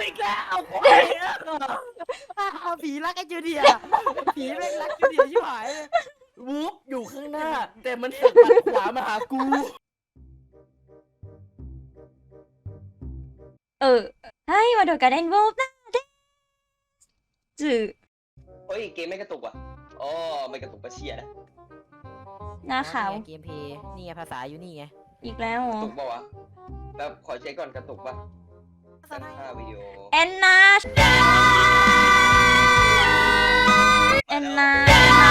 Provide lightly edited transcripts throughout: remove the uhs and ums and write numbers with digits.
อีกแล้วผีรักไอ้จูเดียผีแม่งรักจูเดียชิบหายเลยวูฟอยู่ข้างหน้าแต่มันสึกปัดขวามาหากูはい、窓からレンボーなんです。 เฮ้ยเกมไม่กระตุกว่ะอ๋อไม่กระตุกก็เชียนะหน้าขาวเกมเพย์นี่ไงภาษาอยู่นี่ไงอีกแล้วเหรกอระตุกป่าวะแบบขอเช็คก่อนกระตุกป่ะตั้งค่าวิดีโอแอนนาแอนนามา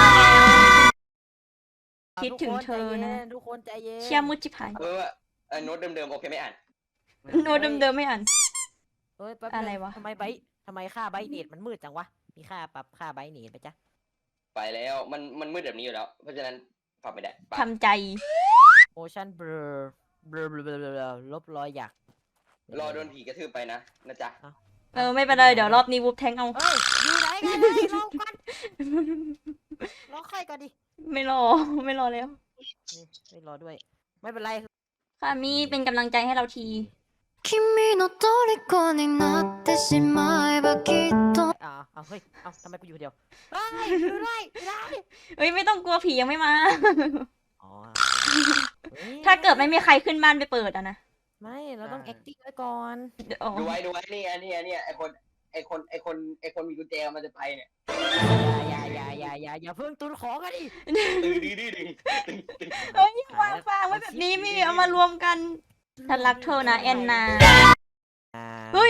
แล้วคิดถึงเธอนะทุกคนใจเย็นเชียมุจิพายโน้ตเดิมๆโอเคไม่อ่านโน้ตเดิมๆไม่อ่านเฮ้ยแป๊บอะไรวะทำไมค่าไบต์เนตมันมืดจังวะมีค่าปรับค่าไบต์เนตไปจ้ะไปแล้วมันมืดแบบนี้อยู่แล้ว เพราะฉะนั้นปรับไม่ได้ปะทำใจโมชั่นเบลอลบรอยหยักรอโดนผีกระทืบไปนะจ๊ะไม่เป็นไรเดี๋ยวรอบนี้วูฟแทงเอาเฮ้ยอยู่ไหนกันเลยรอก่อนรอใครก่อนดิไม่รอไม่รอแล้วไม่รอด้วย ไม่เป็นไรค่ะมีเป็นกำลังใจให้เราที君の虜になってしまえばきっとเอาเฮ้ยเอาทำไมกูอยู่คนเดียวเฮ้ยอยู่ด้วยไม่ได้เฮ้ยไม่ต้องกลัวผียังไม่มาอ๋อถ้าเกิดไม่มีใครขึ้นบ้านไปเปิดอะนะไม่เราต้อง acting ไว้ก่อนเดี๋ยวอ๋อดูไว้เนี่ยไอคนมีกุญแจมันจะไปเนี่ยอย่าเพิ่งตุนของกันดิดึงเฮ้ยวางฟางไว้แบบนี้มีเอามารวมกันฉันรักเธอนะแอนนาเฮ้ย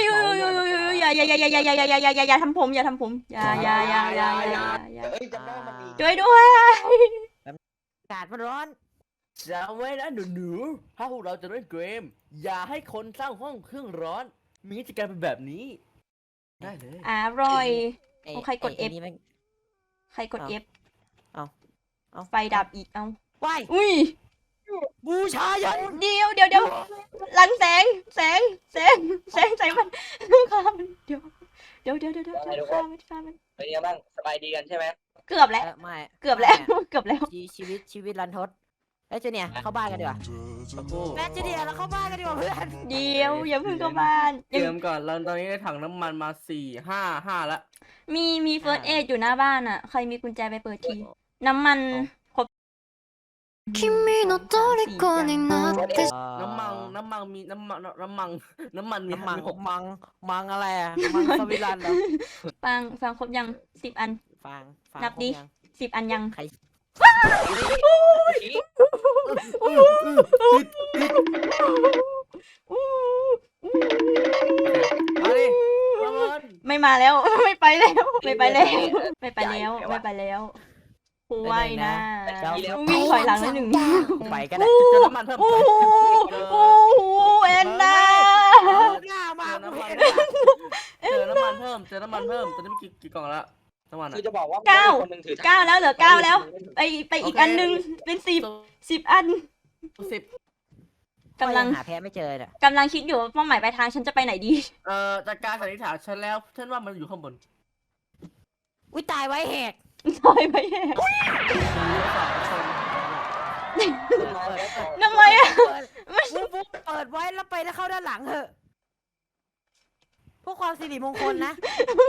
อย่าทำผมอย่าทำผมอย่าเอ้ยจำได้มันมีช่วยด้วยอากาศมันร้อนจำไว้นะหนูๆถ้าพวกเราจะเล่นเกมอย่าให้คนสร้างห้องเครื่องร้อนมีกิจกรรมเป็นแบบนี้ ได้เลยอร่อยไอ้โอ้ใครกดไอ้ F นี่แม่งใครกด F เอาไฟดับอีกเอาว้ายอุ้ยบูชายันเดี๋ยวหลังแสงใส่มันฆ่ามันเดี๋ยวฆ่ามันเป็นยังบ้างสบายดีกันใช่ไหมเกือบแล้วไม่เกือบแล้วเกือบแล้วชีวิตรันทดเอ้ยเจเนี่ยเข้าบ้านกันดีกว่าแม่เจเนี่ยเราเข้าบ้านกันดีกว่าเพื่อนเดี๋ยวอย่าเพิ่งเข้าบ้านเตรียมก่อนเราตอนนี้ได้ถังน้ำมันมา5 ละมีเฟิร์สเอดอยู่หน้าบ้านอ่ะใครมีกุญแจไปเปิดทีน้ำมันครบ君の虜になってน้ำมันมีน้ำมันมีมัง 6 มังอะไรอะมังสวิรันเหรอฟังครบยัง10 อันฟังนับดิยัง 10 อันยังใครมาดิระเบิดไม่มาแล้ว ไม่ไปแล้วกูไหวนะเจ้าวิ่งถอยหลังนิดหนึ่งไปกันได้เจอน้ำมันเพิ่มโอ้โหแอนนาหน้ามาเจอน้ำมันเพิ่มตอนนี้มีกี่กล่องละน้ำมันคือจะบอกว่า 9แล้วเหลือ9แล้วไปอีกอันนึงเป็น10อัน 10 กำลังหาแพ้ไม่เจอเนี่ยกำลังคิดอยู่ว่าเป้าหมายปลายทางฉันจะไปไหนดีจากการสันนิษฐานฉันแล้วฉันว่ามันอยู่ข้างบนอุ้ยตายไว้แหกซอยไปแย่ทำไมอะบุ๊บเปิดไว้แล้วไปแล้วเข้าด้านหลังเถอะเพื่อความสิริมงคลนะ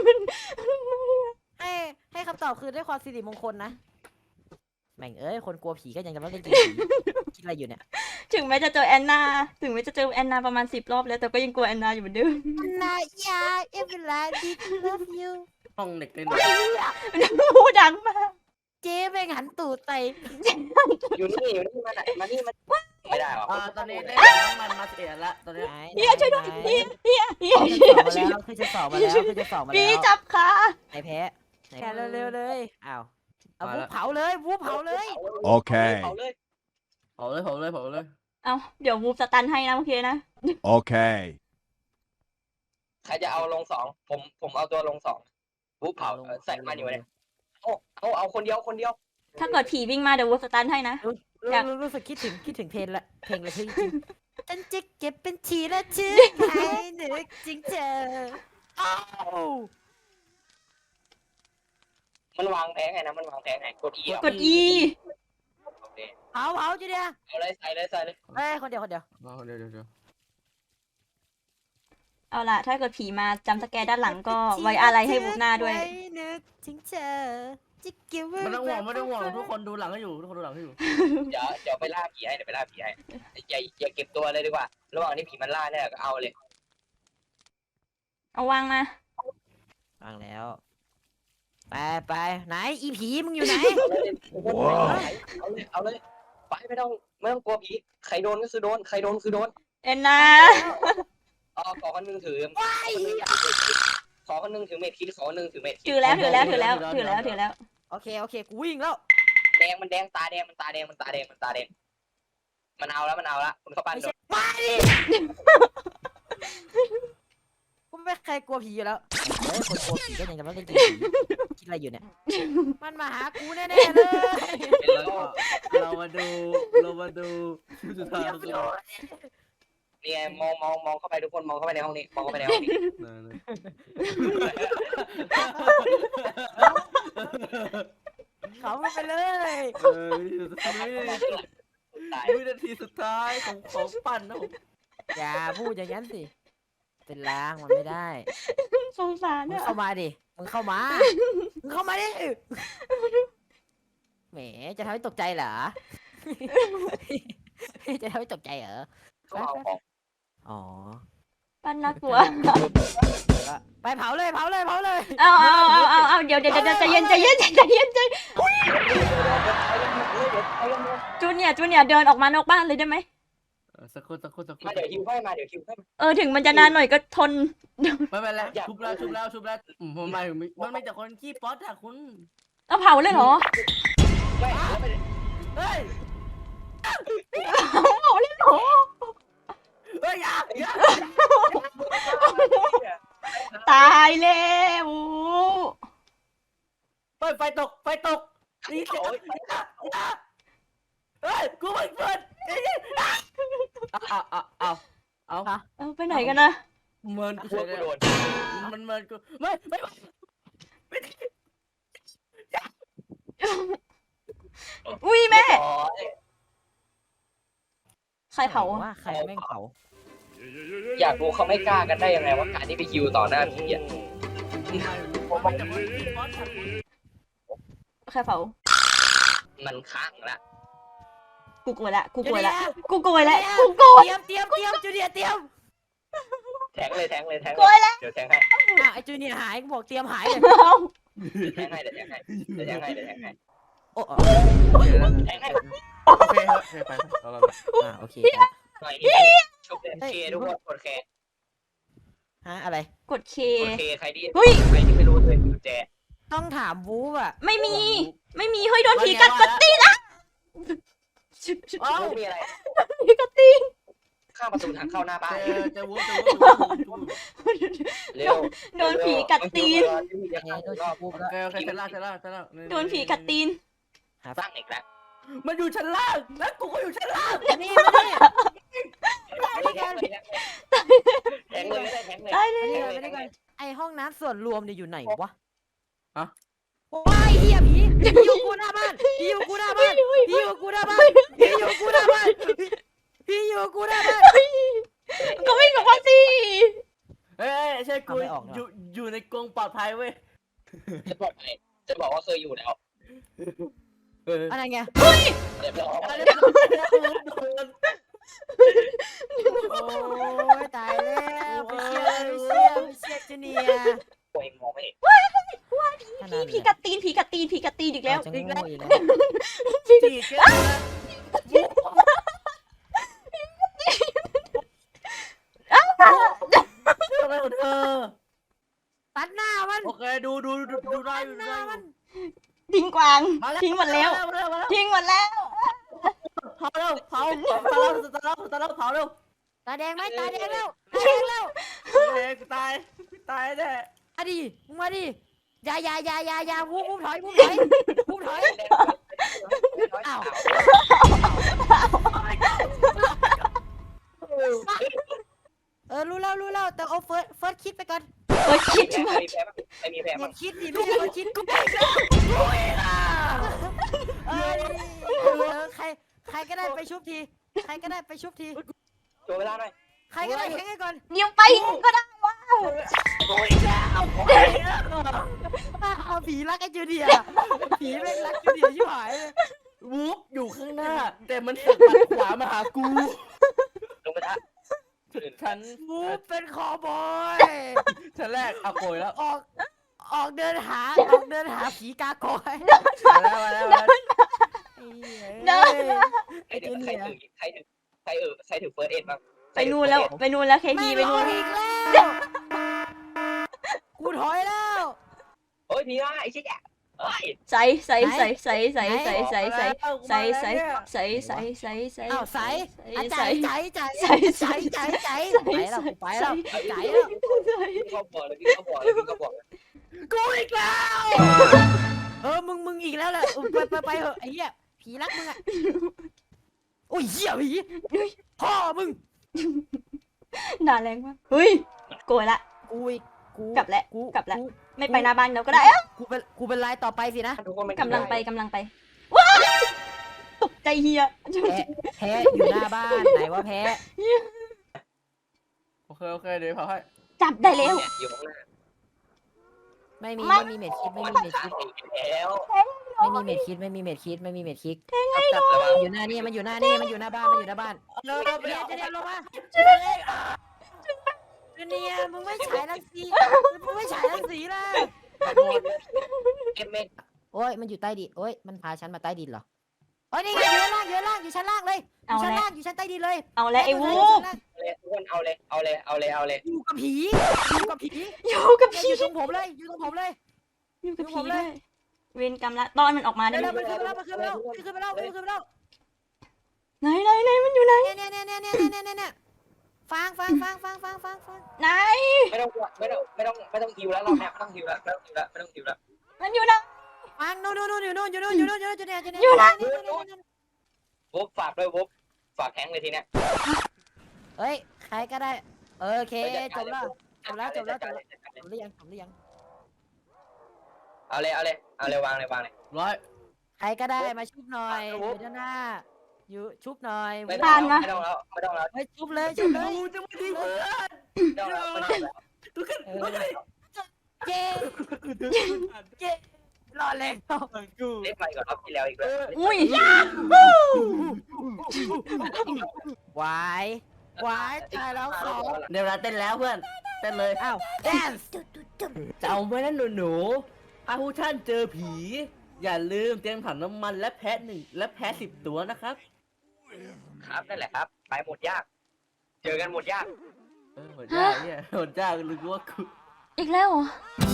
ให้คำตอบคือด้วยความสิริมงคลนะแม่งเอ้ยคนกลัวผีก็ยังจะมาเล่นเกมผีคิดอะไรอยู่เนี่ยถึงแม้จะเจอแอนนาประมาณ10 รอบแล้วแต่ก็ยังกลัวแอนนาอยู่เหมือนเดิมนาอยาเอเวลาดิ love you ห้องเด็กเล่นพูดดังมากเจ๊แม่งหันตูดใส่อยู่นี่มานี่มันไม่ได้หรอตอนนี้ได้น้ำมันมา11ละตอนนี้เฮียช่วยด้วยเฮียคือจะสอบมาแล้วคือจะสอบมาแล้วพี่จับขาไหนแพ้แพ้เร็วๆเลยอ้าวเอาวูเผาเลยวูเผาเลยโอเคเผาเลยเผาเลยเอาเดี๋ยววูฟสตันให้นะโอเคนะ Okay. ใครจะเอาลง2ผมเอาตัวลง2ปุ๊บเผาใส่มันอยู่เนี่ยเอาคนเดียวถ้าเกิดผีวิ่งมาเดี๋ยววูฟสตันให้นะรู้สึกคิดถึงเพลงละเพลงละชื่อจริงฉันจะเก็บเป็นทีละชื่อให้นึกจริงเธออ้าวมันวางแผงไงนะกด E กด E เผาจีเดียเอาเลยใส่เลยเอ้ยคนเดียวเดี๋ยวเอาล่ะ ถ้าเกิดผีมาจำสแกร์ด้านหลังก็ไว้อะไรให้บุ๊กหน้าด้วยไนึกถึงเธอจะเก็บไว้ไม่ต้องห่วงไม่ต้องห่วงทุกคนดูหลังให้อยู่ทุกคนดูหลังให้อยู่เดี๋ยวไปล่าผีให้เดี๋ยวไปล่าผีให้อย่าเก็บตัวเลยดีกว่าระหว่างที่ผีมันล่าเนี่ยก็เอาเลยเอาวางมาฟังแล้ว ไปไหนอีผีมึงอยู่ไหนเอาเลยไปไม่ต้องกลัวผีใครโดนก็คือโดนใครโดนคือโดนเอ็นนะขอคนนึงถือขอคนนึงถือเม็ดคิดขอคนนึงถือเม็ดคิดถือแล้วโอเคกูวิ่งแล้วแดงมันแดงตาแดงมันเอาแล้วคุณเข้าบ้านไม่โดใช่นมาดิกูไม่เคยกลัวผีอยู่แล้วคนกลัวผีก็ยังจะมาเล่นผีคิดอะไรอยู่เนี่ยมันมาหากูแน่ๆเลยเรามาดูสุดท้ายนี่ไงมองเข้าไปทุกคนมองเข้าไปในห้องนี้เขาไปเลยวินาทีสุดท้ายของปั่นนะผมอย่าพูดอย่างนั้นสิเป็นล้างมันไม่ได้สงสารมึงเนี่ยเข้ามาดิมึงเข้ามาดิแหมจะทำให้ตกใจเหรอ จะทำให้ตกใจเหรอก็เอาของอ๋อปั้นน่ากลัวไปเผาเลยเอาเดี๋ยวใจเย็นจูเนียร์เดินออกมานอกบ้านเลยได้ไหมสักคนมาเดี๋ยวคิวให้มาถึงมันจะนานหน่อยก็ทนไม่เป็นไรชุบแล้วผมหมายถึงมันไม่แต่คนขี้ป๊อตอะคุณเอาเผาเลยเหรอเฮ้ยเผาเลยเหรอเฮ้ยอย่าตายแล้วเฮ้ยไฟตกนี่เสียงเฮ้ยกูไม่เปิดเอาเอาไปไหนกันนะเมินกูกูโดนมันเมินกูไม่อุ้ยแม่ ใครเผาว่าใครแม่งเผาอยากรู้เขาไม่กล้ากันได้ยังไงว่าการที่ไปคิวต่อหน้าผีอ่ะใครเผามันค้างละกูกลัวละเตรียมจูเนียร์เตรียมแทงเลยกลัวแล้วเดี๋ยวแทงให้ไอจูเนียร์หายกูบอกเตรียมหายเลยแทงให้โอ้แทงให้โอเคไปเราโอเคหน่อยนี่ชุบเคทุกคนกดเคฮะอะไรกดเคใครที่เฮ้ยไม่รู้เลยกุญแจต้องถามวูฟอะไม่มี เฮ้ยโดนผีกัดกดตีนอ่ะไม่มีอะไรผีกัดตีนข้ามประตูทางเข้าหน้าบ้านจะวูบเร็วโดนผีกัดตีนโดนวูฟแล้วโอเคชั้นล่างโดนผีกัดตีนสร้างเด็กแล้วมันอยู่ชั้นล่างแล้วกูก็อยู่ชั้นล่างนี่แทงเลยไม่ได้แทงเลยได้เลยไอห้องน้ำส่วนรวมเนี่ยอยู่ไหนวะว้ายเฮียผีอยู่กูหน้าบ้านผีอยู่กูหน้าบ้านก็วิ่งออกมาสิเฮ้ยใช่กูอยู่ในกรงปลอดภัยเว้ยจะบอกว่าเคยอยู่แล้วอะไรไงเรียบร้อยโอ้ยตายแล้วไปเชียร์จูเนียร์ตัวเองมองไม่เห็นผีกัดตีนอีกแล้วจะงูอีกแล้วจีเจ้าทำไมของเธอตัดหน้ามันโอเคดูได้อยู่หน้ามันทิ้งกวาง ทิ้งหมดแล้วมาแล้วทิ้งหมดแล้วเผาเร็วเผาเร็วตาแดงไหมตาแดงแล้วตายแน่มาดิมึงมาดิอย่าวูบถอยอ้าวรู้แล้วแต่เอาเฟิร์สคิดไปก่อนโอ้ยคิดไม่มีแพ้เน็มั้ตงคิดดิไม่ใช่เฟิร์สคิดกูไปแล้วใครก็ได้ไปชุบทีตัวเวลาหน่อยใครก็ได้แข่งให้ก่อนเดี๋ยวไปก็ได้วโอ้ยแล้วเอาผีรักไอ้จูเนียร์ผีแม่งรักจูเนียร์ชิบหายวูฟอยู่ข้างหน้า แต่มันสับปัดขวามาหากูลงไปท่าฉันมูฟเป็นคอบอยฉันแรกเอาโกยแล้วออกเดินหาผีกากอยมาแล้วมาแล้วมาแล้วเดินใครถือใครถือเฟิร์สเอ็ดบ้างไปนู่นแล้วไปนู่นแล้วเคทีไปนู่นอีกแล้วกูถอยแล้วโอ้ยพี่ว่าไอ้ชิคอะเฮ้ยใส่ใส่ใส่ใส่ใส่ใส่ใส่ใส่ใส่ใส่ใส่ใส่ใส่ใส่อ้าวใส่อาใจใส่ใจใส่ใจใจใจไปแล้วกูไปแล้วใจแล้วพี่เขาบอกเลยพี่เขาบอกเลยพี่เขาบอกเลยกูอีกแล้วมึงอีกแล้วแหละไปเหอะไอ้เหี้ยผีรักมึงอ่ะโอ้ยเหี้ยผีพ่อมึงด่าแรงมากเฮ้ยโกรธละกูอีกกูกลับแล้วกูกลับแล้วกูไม่ไปหน้าบ้านเราก็ได้กูเป็นลายต่อไปสินะทุกคนมันกำลังไปกำลังไปว้ายตกใจเฮียแพ้อยู่หน้าบ้านไหนว่าแพ้โอเคเดี๋ยวพาให้จับได้แล้วอยู่ข้างหน้าไม่มีไม่ไม่มีเม็ดคิดไม่มีเม็ดคิดแล้วไม่มีเม็ดคิดไม่มีเม็ดคิดไม่มีเม็ดคิดจับระวังอยู่หน้านี่มันอยู่หน้านี่มันอยู่หน้าบ้านมันอยู่หน้าบ้านเร็วเดี๋ยวจะเดี๋ยวลงมาจูเนียมึงไม่ฉายรังสีมึงไม่ฉายรังสีล่ะเอ็มเอ็นโอ้ยมันอยู่ใต้ดินโอ้ยมันพาฉันมาใต้ดินเหรอโอ้ยนี่ไงอยู่ชั้นล่างอยู่ชั้นล่างเลยอเอายู่ชั้นแล้วล่างอยู่ชั้นใต้ดินเลยเอาแล้วไอ้วูอยู่บชั้นล่างเลยทุกคนเอาเลยอยู่กับผีอยู่กับผีอยู่กับเนี่ยพี่อยู่ตรงผมเลยอยู่ตรงผมเลยอยู่กับผผีมเลเลย ยเวรกรรมละตอนมันออกมาได้เดี๋ยวไหมมันขึ้นมาแล้วมันขึ้นมาแล้วมันขึ้นมาแล้วมันขึ้นมาแล้วไหนไหนไหนมันอยู่ไหนเนี่ยฟังไหนไม่ต้องฮิวแล้วรอบเนี้ยไม่ต้องฮิวแล้วมันอยู่ไหนฟังนู่นอยู่นู่นอยู่เนี่ยอยู่ไหนวุบฝากด้วยวุบฝากแทงเลยทีเนี้ยเฮ้ยใครก็ได้โอเคจบแล้วหรือยังเอาเลยวางเลยร้อยใครก็ได้มาชุบหน่อยอยู่ด้านหน้าอยู่ชุบหน่อยไม่ต้องแล้วเฮ้ยชุบเลยกูจะไม่ทิ้งเพื่อนเจ๊รอเล่นกูเล่นไปก่อนรอบที่แล้วอีกแล้วอุ้ยวายตายแล้วสองเดี๋ยวเราเต้นแล้วเพื่อนเต้นเลยอ้าวแดนซ์จำไว้นะหนูถ้าผู้ท่านเจอผี อย่าลืมเตรียมถังน้ำมันและแพะ10 ตัวนะครับครับนั่นแหละครับไปหมดยาก เจอกันหมดยากหมดยากเนี่ยหมดยากหรือว่ากูอีกแล้วเหรอ